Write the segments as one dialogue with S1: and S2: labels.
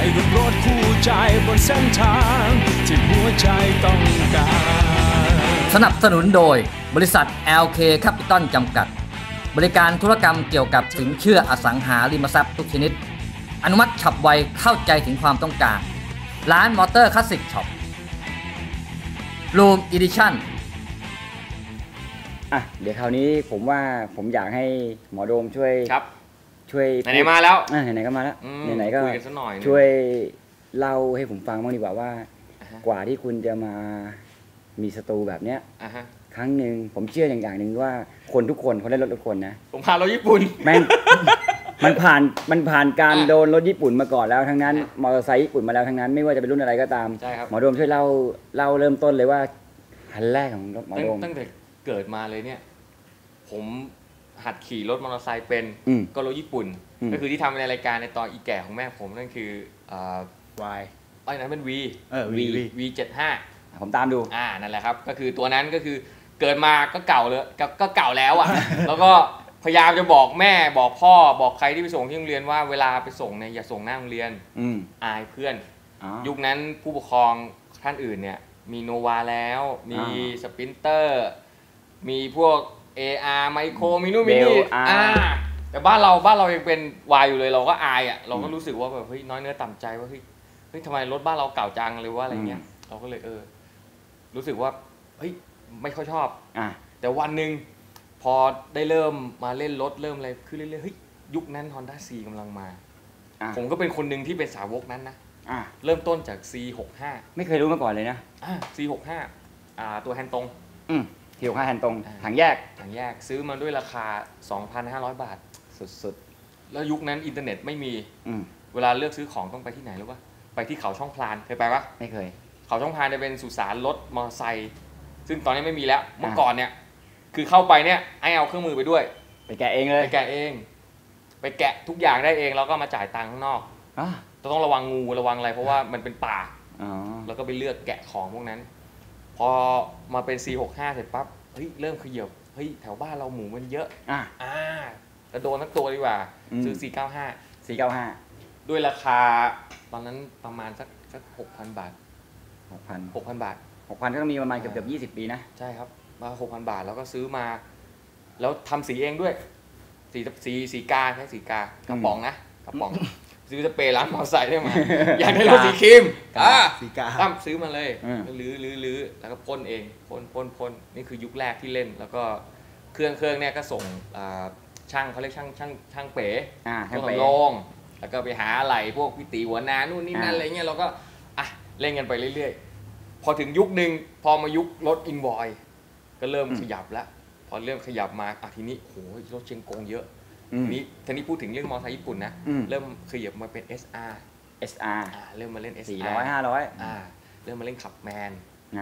S1: กับรถคู่ใจบนเส้นทางที่หัวใจต้องการ
S2: สนับสนุนโดยบริษัท LK Capital จำกัดบริการธุรกรรมเกี่ยวกับสินเชื่ออสังหาริมทรัพย์ทุกชนิดอนุมัติฉับไวเข้าใจถึงความต้องการร้านมอเตอร์คลาสสิกช็อปRoom Edition
S3: เดี๋ยวคราวนี้ผมว่าผมอยากให้หมอโดมช่วย
S4: ไหนมาแล้ว
S3: ไหนๆก็มาแล้วไหนๆก็
S4: คุยกันสักหน่อย
S3: ช่วยเล่าให้ผมฟังบ้างดีกว่าว่ากว่าที่คุณจะมามีสตูแบบเนี้ยครั้งหนึ่งผมเชื่ออย่างหนึ่งว่าคนทุกคนเขาได้รถทุกคนนะ
S4: ผมพารถญี่ปุ่น
S3: แม่งมันผ่านการโดนรถญี่ปุ่นมาก่อนแล้วทั้งนั้นมอเตอร์ไซค์ญี่ปุ่นมาแล้วทั้งนั้นไม่ว่าจะเป็นรุ่นอะไรก็ตามหมอโดมช่วยเล่าเริ่มต้นเลยว่าคันแรกของหมอโดม
S4: ตั้งแต่เกิดมาเลยเนี่ยผมหัดขี่รถมอเตอร์ไซค์เป็นก็รถญี่ปุ่นก็คือที่ทำในรายการในตอนอีแก่ของแม่ผมนั่นคือ
S3: Y
S4: นั้นเป็น V75
S3: ผมตามดู
S4: นั่นแหละครับก็คือตัวนั้นก็คือเกิดมาก็เก่าเลยก็เก่าแล้วอ่ะ แล้วก็พยายามจะบอกแม่บอกพ่อบอกใครที่ไปส่งที่โรงเรียนว่าเวลาไปส่งเนี่ยอย่าส่งหน้าโรงเรียนอายเพื่อนยุคนั้นผู้ปกครองท่านอื่นเนี่ยมีโนวาแล้วมีสปรินเตอร์มีพวก AR ไมโครมีนู่นมีนี่แต่บ้านเรายังเป็นวายอยู่เลยเราก็อายอ่ะเราก็รู้สึกว่าแบบเฮ้ยน้อยเนื้อต่ำใจว่าเฮ้ยทำไมรถบ้านเราเก่าจังเลยว่าอะไรเงี้ยเราก็เลยรู้สึกว่าเฮ้ยไม่ค่อยชอบแต่วันหนึ่งพอได้เริ่มมาเล่นรถเริ่มอะไรขึ้นเรื่อยๆเฮ้ยยุคนั้น Honda C กำลังมาผมก็เป็นคนหนึ่งที่เป็นสาวกนั้นนะเริ่มต้นจาก C65
S3: ไม่เคยรู้มาก่อนเลยนะ
S4: C65 ตัวแฮนด์ตรง
S3: C65 แฮนด์ตรงถังแยก
S4: ซื้อมาด้วยราคา 2,500 บาท
S3: สุด
S4: ๆแล้วยุคนั้นอินเทอร์เน็ตไม่มีเวลาเลือกซื้อของต้องไปที่ไหนรู้ป่ะไปที่เขาช่องพลานเคยไปปะ
S3: ไม่เคย
S4: เขาช่องพลานจะเป็นสุสานรถมอเตอร์ไซค์ซึ่งตอนนี้ไม่มีแล้วเมื่อก่อนเนี่ยคือเข้าไปเนี่ยให้เอาเครื่องมือไปด้วย
S3: ไปแกะเองเลย
S4: ไปแกะทุกอย่างได้เองแล้วก็มาจ่ายตังค์ข้างนอกต้องระวังงูระวังอะไรเพราะว่ามันเป็นป่าแล้วก็ไปเลือกแกะของพวกนั้นพอมาเป็น C65 เสร็จปั๊บเฮ้ยเริ่มขยับเฮ้ยแถวบ้านเราหมูมันเยอะแล้วโดนทั้งตัวดีกว่าซื้อ 495ด้วยราคาตอนนั้นประมาณสัก 6,000 บาท 6,000 บาท
S3: 6,000 ก็ต้องมีประมาณเกือบ20 ปีนะ
S4: ใช่ครับมา 6,000 บาทแล้วก็ซื้อมาแล้วทำสีเองด้วยสีกาใช้สีกากระป๋องนะกระป๋องซื้อสเปรย์ล้างมอเตอร์ไซค์ได้มาอยากได้รถสีครีม
S3: สีกา
S4: ตั้มซื้อมาเลยลื้อแล้วก็พ่นเองพ่นนี่คือยุคแรกที่เล่นแล้วก็เครื่องเนี่ยก็ส่งช่างเขาเรียกช่างเป๋ช่างโล่งแล้วก็ไปหาอะไรพวกพิตีหัวนานู่นนี่นั่นอะไรเงี้ยเราก็เล่นกันไปเรื่อยๆพอถึงยุคนึงพอมายุครถอินวอยก็เริ่มขยับแล้วพอเริ่มขยับมาทีนี้โหรถเชียงกงเยอะทีนี้พูดถึงเรื่องมอเตอร์ไซค์ญี่ปุ่นนะเริ่มขยับมาเป็น SR เริ่มมาเล่น SR
S3: 400-500
S4: เริ่มมาเล่นขับแมน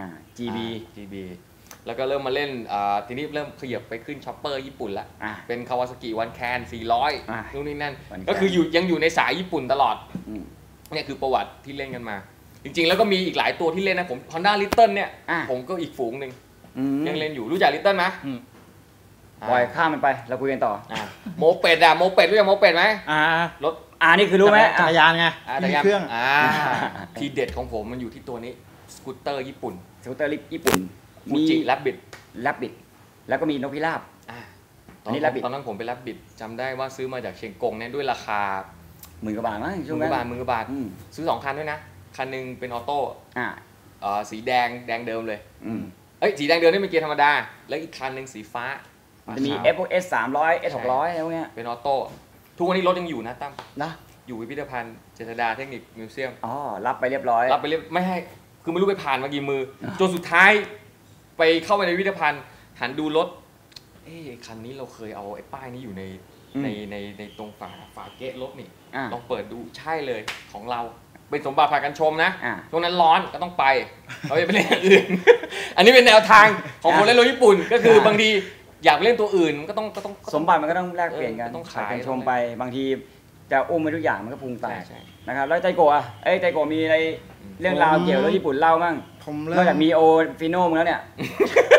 S3: GB
S4: แล้วก็เริ่มมาเล่นทีนี้เริ่มขยับไปขึ้นช็อปเปอร์ญี่ปุ่นละเป็นคาวาซากิวันแคน400นู่นนี่นั่นก็คือยังอยู่ในสายญี่ปุ่นตลอดเนี่ยคือประวัติที่เล่นกันมาจริงๆแล้วก็มีอีกหลายตัวที่เล่นนะผม Honda Little เนี่ยผมก็อีกฝูงหนึ่งยังเล่นอยู่รู้จัก Little ไหม
S3: ปล่อยข้ามมันไปเราคุยกันต่อ
S4: โมเป็ดรู้จักโมเป็ดไหมรถ
S3: นี่คือรู้ไหม
S5: จักรยานไง
S4: มีเครื่องทีเด็ดของผมมันอยู่ที่ตัวนี้สกูตเตอร์ญี่ปุ่นมีแรบบิท
S3: แล้วก็มีนกพิราบ
S4: ตอนนั้นผมเป็นแรบบิทจำได้ว่าซื้อมาจากเชียงกงเนี่ยด้วยราคา
S3: 10,000 กว่าบาทมั้งช่วง
S4: นั้น10,000 กว่าบาทซื้อ2 คันด้วยนะคันนึงเป็นออโต้สีแดงเดิมเลยสีแดงเดิมนี่เป็นเกียร์ธรรมดาแล้วอีกคันนึงสีฟ้า
S3: จะมี FS 300 S 600อะไรพวกเนี้ย
S4: เป็นออโต้ทุกวันนี้รถยังอยู่นะตั้มนะอยู่พิพิธภัณฑ์เจษฎาเทคนิคมิวเซียม
S3: รับไปเรียบร้อย
S4: ไม่ให้คือไม่รู้ไปผ่านมากี่มือจนสุดท้ายไปเข้าไปในพิพิธภัณฑ์หันดูรถคันนี้เราเคยเอาไอ้ป้ายนี้อยู่ในตรงฝาเกะรถนี่ลองเปิดดูใช่เลยของเราเป็นสมบัติพากันชมนะช่วงนั้นร้อนก็ต้องไปเราจะไปเล่นอย่างอื่นอันนี้เป็นแนวทางของคนเล่นรถญี่ปุ่นก็คือบางทีอยากเล่นตัวอื่นก็ต้อง
S3: สมบัติมันก็ต้องแลกเปลี่ยนกันต้องขายกันชมไปบางทีจะอุ้มไปทุกอย่างมันก็พุงแตกนะครับแล้วใจโกะใจโกะมีอะไรเรื่องราวเกี่ยวกับรถญี่ปุ่นเล่าบ้างนอกจากมีโอฟิโน่มึงแล้วเนี่ย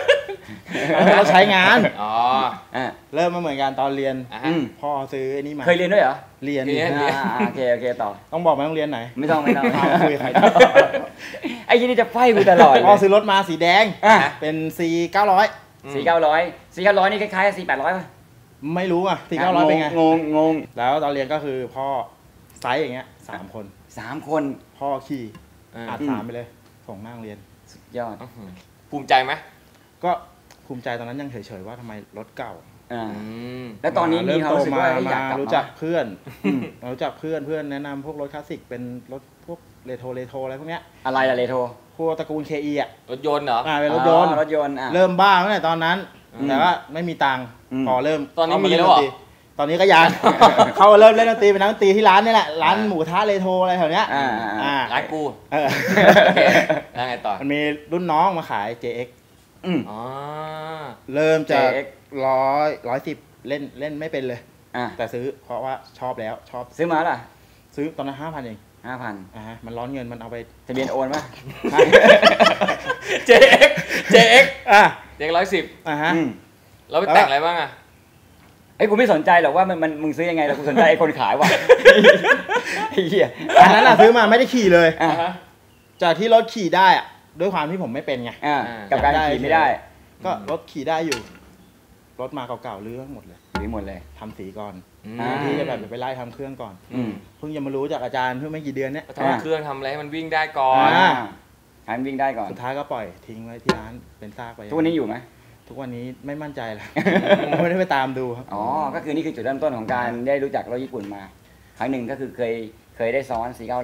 S5: เราใช้งาน
S4: อ๋อ
S5: เริ่มมาเหมือนกันตอนเรียน พ่อซื้อไอ้นี่มา
S3: เคยเรียนด้วยเหรอ
S5: เรียน
S3: โอเคต่อ
S5: ต้องบอกไหมโรงเรียนไหน
S3: ไม่ต้อง
S5: คุยใคร
S3: ไอ้ยี่นี่จะไฟกูตลอด
S5: พ่อซื้อรถมาสีแดงเป็น C900
S3: 4,900นี่คล้ายๆ4,800ป่ะ
S5: ไม่รู้อ่ะ4,900เป็นไง
S3: งง
S5: แล้วตอนเรียนก็คือพ่อไซส์อย่างเงี้ย3 คนพ่อขี่อัด3ไปเลยส่งหน้าโรงเรียน
S3: สุดยอด
S4: ภูมิใจไหม
S5: ก็ภูมิใจตอนนั้นยังเฉยๆว่าทำไมรถเก่า
S3: แล้วตอนนี้มีเขารู้สึกว่าอยากกลับ
S5: รู้จักเพื่อนรู้จักเพื่อนแนะนำพวกรถคลาสสิกเป็นรถพวกเรโทรอะไรพวกเนี้ย
S3: อะไรล่ะเรโทร
S5: พวกตระกูล KE อ่ะ
S4: รถยนต์เหรอ
S5: เป็นรถยนต์เริ่มบ้าตั้งแต่ตอนนั้นแต่ว่าไม่มีตังค์พอเริ่ม
S4: ตอนนี้มีแล้วเหรอ
S5: ตอนนี้ก็ยังเขาเริ่มเล่นดนตรีเป็นนักดนตรีที่ร้านนี่แหละร้านหมูทะเรโทรอะไรแถวเนี้ย
S4: ร้านกูแล้วไงต่อ
S5: มันมีรุ่นน้องมาขาย JX เริ่มจาก110เล่นไม่เป็นเลยแต่ซื้อเพราะว่าชอบแล้วชอบ
S3: ซื้อมาล่ะ
S5: ซื้อตอนนั้น 5,000 เอง
S3: 5,000
S5: มันร้อนเงินมันเอาไป
S3: ทะเบียนโอนป่ะ
S4: JX 110แล้วไปแต่งอะไรบ้าง
S3: กูไม่สนใจหรอกว่ามันมึงซื้อยังไงแต่กูสนใจไอ้คนขายว่ะไอ้เหี้ย
S5: อันนั้นซื้อมาไม่ได้ขี่เลยจากที่รถขี่ได้อะด้วยความที่ผมไม่เป็นไง
S3: กับการขี่ไม่ได้
S5: ก็รถขี่ได้อยู่รถมาเก่าๆลื้อหมดเลยทำสีก่อนที่จะแบบไปไล่ทำเครื่องก่อนเพิ่งจะมารู้จากอาจารย์เพิ่งไม่กี่เดือนเนี้ย
S4: ทำเครื่องทำอะไรให้มันวิ่งได้ก่อน
S3: ให้มันวิ่งได้ก่อน
S5: สุดท้ายก็ปล่อยทิ้งไว้ที่ร้านเป็นซากไป
S3: ทุกวันนี้อยู่ไหม
S5: ทุกวันนี้ไม่มั่นใจแล้วไม่ได้ไปตามดูครับ
S3: ก็คือนี่คือจุดเริ่มต้นของการได้รู้จักรถญี่ปุ่นมาครั้งหนึ่งก็คือเคยได้ซ้อน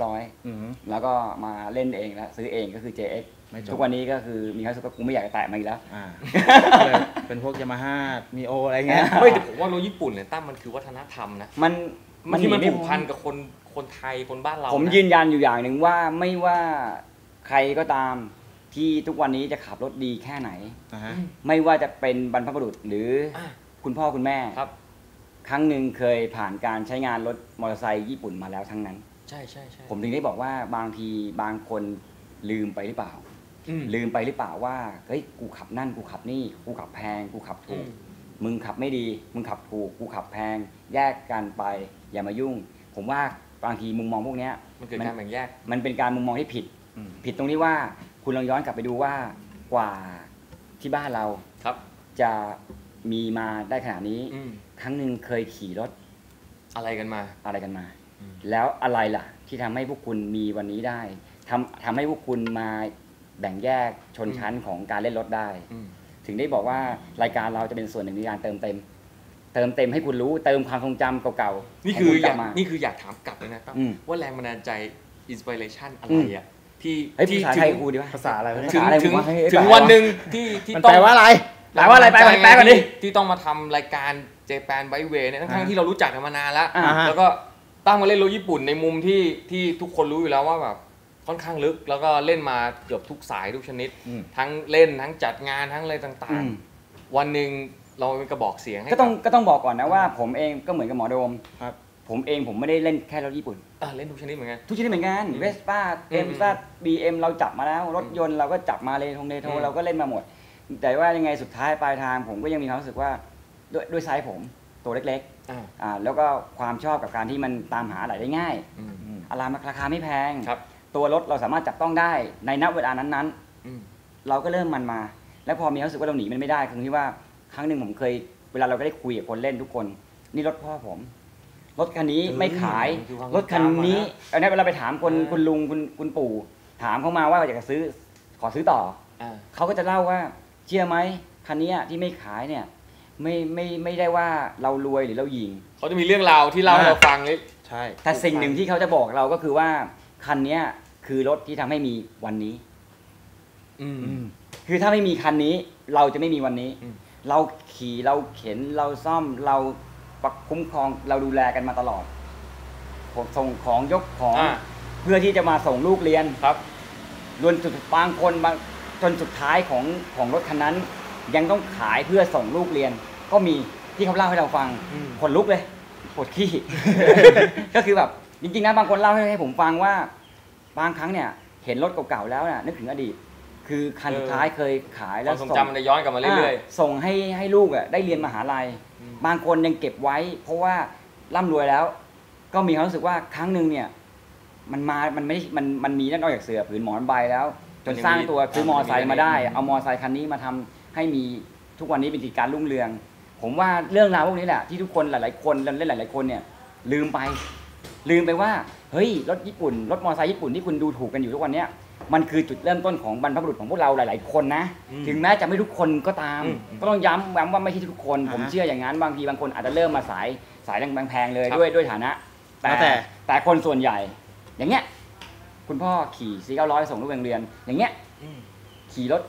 S3: 4,900แล้วก็มาเล่นเองแล้วซื้อเองก็คือ JX ทุกวันนี้ก็คือมีความรู้สึกว่ากูไม่อยากจะแตะมาอีกแล้ว
S5: เป็นพวกยามาฮ่ามีโออะไรเงี้ย
S4: แต่ผมว่ารถญี่ปุ่นเนี่ยตั้มมันคือวัฒนธรรมนะ
S3: มัน
S4: ที่มันผูกพันกับคนไทยคนบ้านเรา
S3: ผมยืนยันอยู่อย่างหนึ่งว่าไม่ว่าใครก็ตามที่ทุกวันนี้จะขับรถดีแค่ไหนไม่ว่าจะเป็นบรรพบุรุษหรือคุณพ่อคุณแม่ครั้งหนึ่งเคยผ่านการใช้งานรถมอเตอร์ไซค์ญี่ปุ่นมาแล้วทั้งนั้น
S4: ใช่
S3: ผมถึงได้บอกว่าบางทีบางคนลืมไปหรือเปล่าว่าเฮ้ยกูขับนั่นกูขับนี่กูขับแพงกูขับถูกมึงขับไม่ดีมึงขับถูกกูขับแพงแยกกันไปอย่ามายุ่งผมว่าบางทีมุมมองพวกนี้
S4: มันเกิดการแบ่งแยก
S3: มันเป็นการมุมมองที่ผิดตรงที่ว่าคุณลองย้อนกลับไปดูว่ากว่าที่บ้านเราจะมีมาได้ขนาดนี้ครั้งหนึ่งเคยขี่รถ
S4: อะไรกันมา
S3: แล้วอะไรล่ะที่ทำให้พวกคุณมีวันนี้ได้ทำให้พวกคุณมาแบ่งแยกชนชั้นของการเล่นรถได้ถึงได้บอกว่ารายการเราจะเป็นส่วนหนึ่งในการเติมเต็มให้คุณรู้เติมความทรงจำเก่า
S4: ๆนี่คืออยากถามกลับเลยนะครับว่าแรงบันดาลใจอินสปิเรชันอะไรอ่ะที่
S3: ภาษาไทยกูดีวะ
S5: ภาษาอะไร
S4: ถึงวันหนึ่งที่
S5: ต้องแปลว่าอะไร
S3: แปลก่อนดิ
S4: ที่ต้องมาทำรายการเจแปนไบเวย์เนี่ยทั้งที่เรารู้จักกันมานานแล้วก็ตั้งมาเล่นรถญี่ปุ่นในมุมที่ทุกคนรู้อยู่แล้วว่าแบบค่อนข้างลึกแล้วก็เล่นมาเกือบทุกสายทุกชนิดทั้งเล่นทั้งจัดงานทั้งอะไรต่างๆวันหนึ่งเราเป็นกระบอกเสียง
S3: ก็ต้องบอกก่อนนะว่าผมเองก็เหมือนกับหมอโดมผมไม่ได้เล่นแค่รถญี่ปุ่น
S4: เล่นทุกชนิดเหมือนกัน
S3: เวสป้าเอ็มซ่าBMเราจับมาแล้วรถยนต์เราก็จับมาเรโทรเราก็เล่นมาหมดแต่ว่ายังไงสุดท้ายปลายทางผมก็ยังมีความรู้สึกว่าด้วยไซส์ผมตัวเล็กๆแล้วก็ความชอบกับการที่มันตามหาอะไรได้ง่ายอะไรราคาไม่แพงตัวรถเราสามารถจับต้องได้ในณเวลานั้นๆเราก็เริ่มมันมาแล้วพอมีความรู้สึกว่าเราหนีมันไม่ได้คือที่ว่าครั้งหนึ่งผมเคยเวลาเราก็ได้คุยกับคนเล่นทุกคนนี่รถพ่อผมรถคันนี้ไม่ขายรถคันนี้เอาเนี่ยเวลาไปถามคุณลุงคุณปู่ถามเขามาว่าอยากจะซื้อขอซื้อต่อเขาก็จะเล่าว่าเชื่อไหมคันนี้ที่ไม่ขายเนี่ยไม่ได้ว่าเรารวยหรือเราหยิ่ง
S4: เขาจะมีเรื่องราวที่เล่าให้เราฟังเลย
S5: ใช่
S3: แต่สิ่งหนึ่งที่เขาจะบอกเราก็คือว่าคันนี้คือรถที่ทำให้มีวันนี้คือถ้าไม่มีคันนี้เราจะไม่มีวันนี้เราขี่เราเข็นเราซ่อมเราคุ้มครองเราดูแลกันมาตลอดผมส่งของยกของเพื่อที่จะมาส่งลูกเรียน
S4: ครับ
S3: รวมจุดบางคนจนสุดท้ายของรถคันนั้นยังต้องขายเพื่อส่งลูกเรียนก็มีที่เขาเล่าให้เราฟังขนลุกเลยปวดขี้ ก็คือแบบจริงๆนะบางคนเล่าให้ผมฟังว่าบางครั้งเนี่ยเห็นรถเก่าๆแล้วเนี่ยนึกถึงอดีตคือคันสุดท้ายเคยขายแล้ว
S4: ความทรงจำมันจะย้อนกลับมาเรื่อย
S3: ๆส่งให้ลูกได้เรียนมหาลัยบางคนยังเก็บไว้ เพราะว่าร่ำรวยแล้ว ก็มีความรู้สึกว่าครั้งหนึ่งเนี่ยมันไม่มันมีนอกจากเสือผืนหมอนใบแล้วจนสร้างตัวซื้อมอไซค์มาได้เอามอไซค์คันนี้มาทำให้มีทุกวันนี้เป็นกิจการรุ่งเรืองผมว่าเรื่องราวพวกนี้แหละที่ทุกคนหลายๆคนเล่นหลายๆคนเนี่ยลืมไปว่าเฮ้ยรถญี่ปุ่นรถมอไซค์ญี่ปุ่นที่คุณดูถูกกันอยู่ทุกวันเนี้ยมันคือจุดเริ่มต้นของบรรพบุรุษของพวกเราหลายๆคนนะถึงแม้จะไม่ทุกคนก็ตามก็ต้องย้ำว่าไม่ใช่ทุกคนผมเชื่ออย่างนั้นบางทีบางคนอาจจะเริ่มมาสายแพงๆเลยด้วยฐานะแต่คนส่วนใหญ่อย่างเงี้ยคุณพ่อขี่400ส่งลูกเรียนอย่างเงี้ยขี่รถ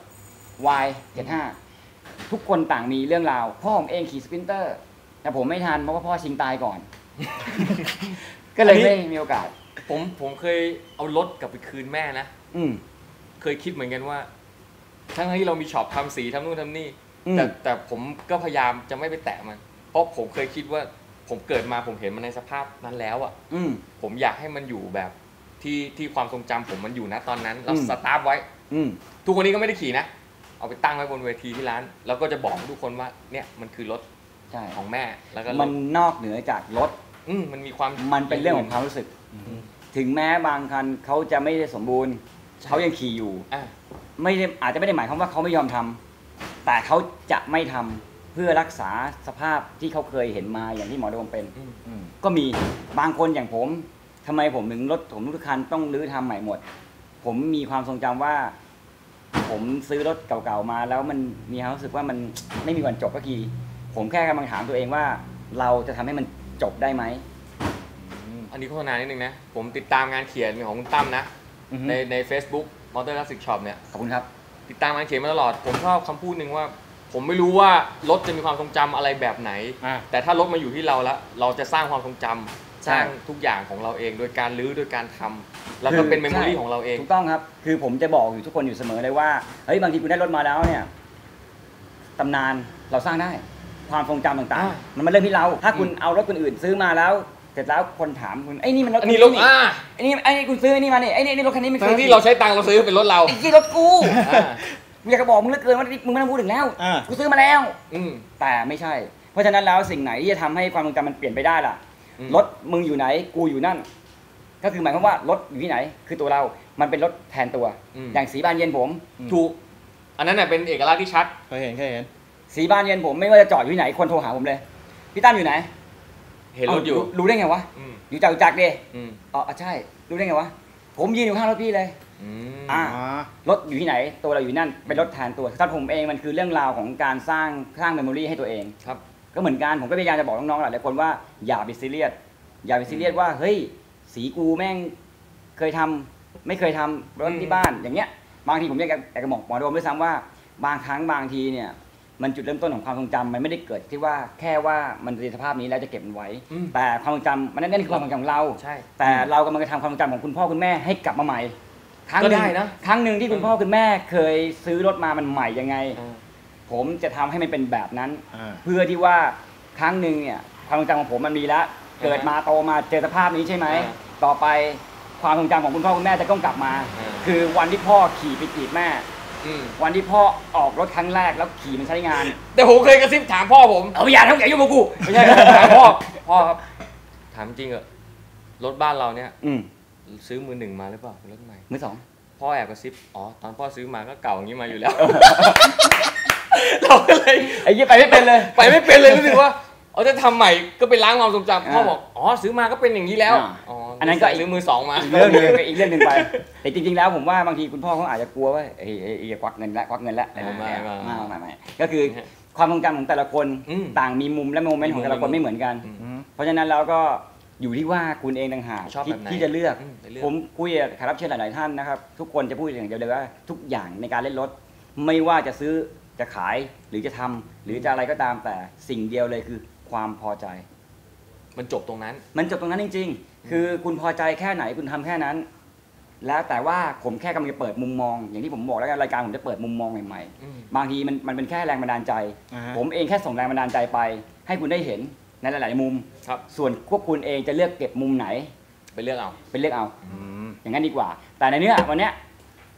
S3: Y75 ทุกคนต่างมีเรื่องราวพ่อผมเองขี่สปรินเตอร์แต่ผมไม่ทันเพราะว่าพ่อชิงตายก่อน ก็เลยไม่มีโอกาส
S4: ผมเคยเอารถกลับไปคืนแม่นะเคยคิดเหมือนกันว่าทั้งที่เรามีช็อปทำสีทำนู่นทำนี่แต่ผมก็พยายามจะไม่ไปแตะมันเพราะผมเคยคิดว่าผมเกิดมาผมเห็นมันในสภาพนั้นแล้วอ่ะผมอยากให้มันอยู่แบบที่ความทรงจำผมมันอยู่นะตอนนั้นเราสตาร์ทไว้ทุกวันนี้ก็ไม่ได้ขี่นะเอาไปตั้งไว้บนเวทีที่ร้านแล้วก็จะบอกทุกคนว่าเนี่ยมันคือรถของแม่แล้วก็
S3: มันนอกเหนือจากรถ
S4: มันมีความ
S3: มันเป็นเรื่องของความรู้สึกถึงแม้บางคันเขาจะไม่ได้สมบูรณ์เขายังขี่อยู่ไม่ได้อาจจะไม่ได้หมายความว่าเขาไม่ยอมทำแต่เขาจะไม่ทำเพื่อรักษาสภาพที่เขาเคยเห็นมาอย่างที่หมอโดมเป็นก็มีบางคนอย่างผมทำไมผมถึงรถผมทุกคันต้องรื้อทำใหม่หมดผมมีความทรงจำว่าผมซื้อรถเก่าๆมาแล้วมันมีความรู้สึกว่ามันไม่มีวันจบสักทีผมแค่กำลังถามตัวเองว่าเราจะทำให้มันจบได้ไหม
S4: อันนี้โฆษณานิดนึงนะผมติดตามงานเขียนของคุณตั้มนะใน Facebook Motor Classic Shop เนี่ย
S3: ขอบคุณครับ
S4: ติดตามงานเขียนมาตลอดผมชอบคำพูดหนึ่งว่าผมไม่รู้ว่ารถจะมีความทรงจำอะไรแบบไหนแต่ถ้ารถมาอยู่ที่เราแล้วเราจะสร้างความทรงจำสร้างทุกอย่างของเราเองโดยการรื้อโดยการทำแล้วก็เป็นเมมโมรี่ของเราเอง
S3: ถูกต้องครับคือผมจะบอกอยู่ทุกคนอยู่เสมอเลยว่าเฮ้ยบางทีคุณได้รถมาแล้วเนี่ยตำนานเราสร้างได้ความทรงจำต่างๆมันเริ่มที่เราถ้าคุณเอารถคนอื่นซื้อมาแล้วเสร็จแล้วคนถามคุณไอ้นี่มันรถ
S4: นี่รถ
S3: ไอ้นี่คุณซื้อไอ้นี่มาเนี่ยไอ้นี่รถคันนี้มัน
S4: ทั้งที่เราใช้ตังค์เราซื้อเป็นรถเรา
S3: ไอ้ที่รถกูอยากจะบอกมึงเหลือเกินว่ามึงไม่ต้องพูดถึงแล้วกูซื้อมาแล้วแต่ไม่ใช่เพราะฉะนั้นแล้วสิ่งไหนที่จะทำให้ความทรงจำมันเปลี่ยนไปได้ล่ะรถมึงอยู่ไหนกูอยู่นั่นก็คือหมายความว่ารถอยู่ที่ไหนคือตัวเรามันเป็นรถแทนตัวอย่างสีบานเย็นผม
S4: ถูกอันนั้นเป็นเอกลักษณ์ที่ชัด
S5: เคยเห็น
S3: สีบานเย็นผมไม่ว่าจะจอดอยู่ที่ไหนคนโทรหาผมเลยพี่ตั้มอยู่ไหน
S4: เห็นรถอยู่
S3: รู้ได้ไงวะอยู่จักรดิอ๋อใช่รู้ได้ไงวะผมยืนอยู่ข้างรถพี่เลยรถอยู่ที่ไหนตัวเราอยู่นั่นเป็นรถแทนตัวถ้าผมเองมันคือเรื่องราวของการสร้างเมมโมรี่ให้ตัวเอง
S4: ครับ
S3: ก็เหมือนกันผมก็พยายามจะบอกน้องๆหลายคนว่าอย่าไปซีเรียสว่าเฮ้ยสีกูแม่งเคยทำไม่เคยทำรถที่บ้านอย่างเงี้ยบางทีผมอยากจะบอกหมอโดมด้วยซ้ำว่าบางครั้งบางทีเนี่ยมันจุดเริ่มต้นของความทรงจำมันไม่ได้เกิดที่ว่าแค่ว่ามันในสภาพนี้แล้วจะเก็บมันไว้แต่ความทรงจำมันนั่นคือความทรงจำของเราแต่เรากำลังจะทำความทรงจำของคุณพ่อคุณแม่ให้กลับมาใหม่ครั้งหนึ่งที่คุณพ่อคุณแม่เคยซื้อรถมามันใหม่ยังไงผมจะทำให้มันเป็นแบบนั้นเพื่อที่ว่าครั้งหนึ่งเนี่ยความทรงจำของผมมันมีแล้วเกิดมาโตมาเจอสภาพนี้ใช่ไหมต่อไปความทรงจำของคุณพ่อคุณแม่จะต้องกลับมาคือวันที่พ่อขี่ไปจีบแม่วันที่พ่อออกรถครั้งแรกแล้วขี่มันใช้งาน
S4: แต่ผมเคยกระซิบถามพ่อผม
S3: อย่าทำอย่ายุ่งกับกู
S4: ไม่ใช่ถามพ่อครับถามจริงเหรอรถบ้านเราเนี่ยซื้อมือหนึ่งมาหรือเปล่ารถใหม่
S3: มือสอง
S4: พ่อแอบกระซิบตอนพ่อซื้อมาก็เก่าอย่างนี้มาอยู่แล้วเราก็เลย
S3: ไอ้ยี่ไปไม่เป็นเลย
S4: รู้สึกว่าจะทำใหม่ก็ไปล้างความทรงจำพ่อบอกซื้อมาก็เป็นอย่างนี้แล้ว
S3: อันนั้นก็
S4: ซื้อมือสองมา
S3: อีกเรื่องนึงไปแต่จริงๆแล้วผมว่าบางทีคุณพ่อเขาอาจจะกลัวว่าควักเงินแล้วไม่ก็คือความทรงจำของแต่ละคนต่างมีมุมและโมเมนต์ของแต่ละคนไม่เหมือนกันเพราะฉะนั้นแล้วก็อยู่ที่ว่าคุณเองต่างหากที่จะเลือกผมคุยกับแขกรับเชิญหลายๆท่านนะครับทุกคนจะพูดอย่างเดียวเลยว่าทุกอย่างในการเล่นรถไม่ว่าจะซื้อจะขายหรือจะทำหรือจะอะไรก็ตามแต่สิ่งเดียวเลยคือความพอใจ
S4: มันจบตรงนั้น
S3: จริงๆคือคุณพอใจแค่ไหนคุณทำแค่นั้นแล้วแต่ว่าผมแค่กำลังจะเปิดมุมมองอย่างที่ผมบอกแล้วกันรายการผมจะเปิดมุมมองใหม่ๆบางทีมันเป็นแค่แรงบันดาลใจผมเองแค่ส่งแรงบันดาลใจไปให้คุณได้เห็นในหลายๆมุมส่วนพวกคุณเองจะเลือกเก็บมุมไหน
S4: ไปเลือกเอา
S3: อย่างนั้นดีกว่าแต่ในเนื้อวันนี้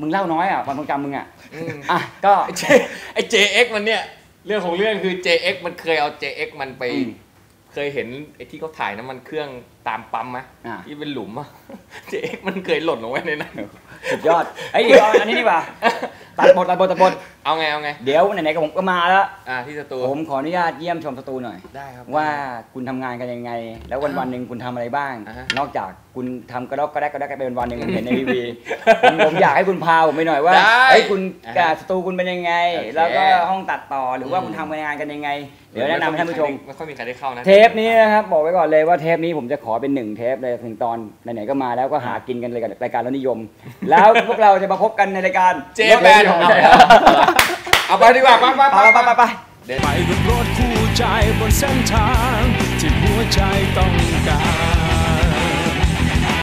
S3: มึงเล่าน้อยอ่ะความทรงจำมึงอ่ะอ่ะก็
S4: ไอ้ JX มันเนี่ยเรื่องของเรื่องคือ JX มันเคยเอา JX มันไปเคยเห็นไอ้ที่เขาถ่ายน้ำมันเครื่องตามปั๊มไหมที่เป็นหลุมอ่ะ JX มันเคยหล่นลงไว้ในนั้น
S3: สุดยอดไอ้เดี๋ยวอันนี้ดีกว่าตัดบท
S4: เอาไง
S3: เดี๋ยวไหนๆกับผมก็มาแล้ว
S4: ที่สตู
S3: ผมขออนุญาตเยี่ยมชมสตูหน่อย
S4: ได้ครับ
S3: ว่าคุณทำงานกันยังไงแล้ววันหนึ่งคุณทำอะไรบ้างนอกจากคุณทำกระดกไปเป็นวันหนึ่งผมเห็นในทีวีผมอยากให้คุณพาผมไปหน่อยว่าไอ้คุณสตูคุณเป็นยังไงแล้วก็ห้องตัดต่อหรือว่าคุณทำงานกันยังไงเดี๋ยวแนะนำให้ท่านผู้ชม
S4: ไม่ค่อยมีใครได้เข้านะ
S3: เทปนี้นะครับบอกไว้ก่อนเลยว่าเทปนี้ผมจะขอเป็น1เทปเลยถึงตอนไหนๆก็มาแล้วก็หากินกันเลยกับรายการรถนิยมแล้วพวกเราจะมาพบกันในรายการ
S4: เจแปนเอาไปดีกว่าไป
S1: ไปกับรถคู่ใจบนเส้นทางที่หัวใจต้องการ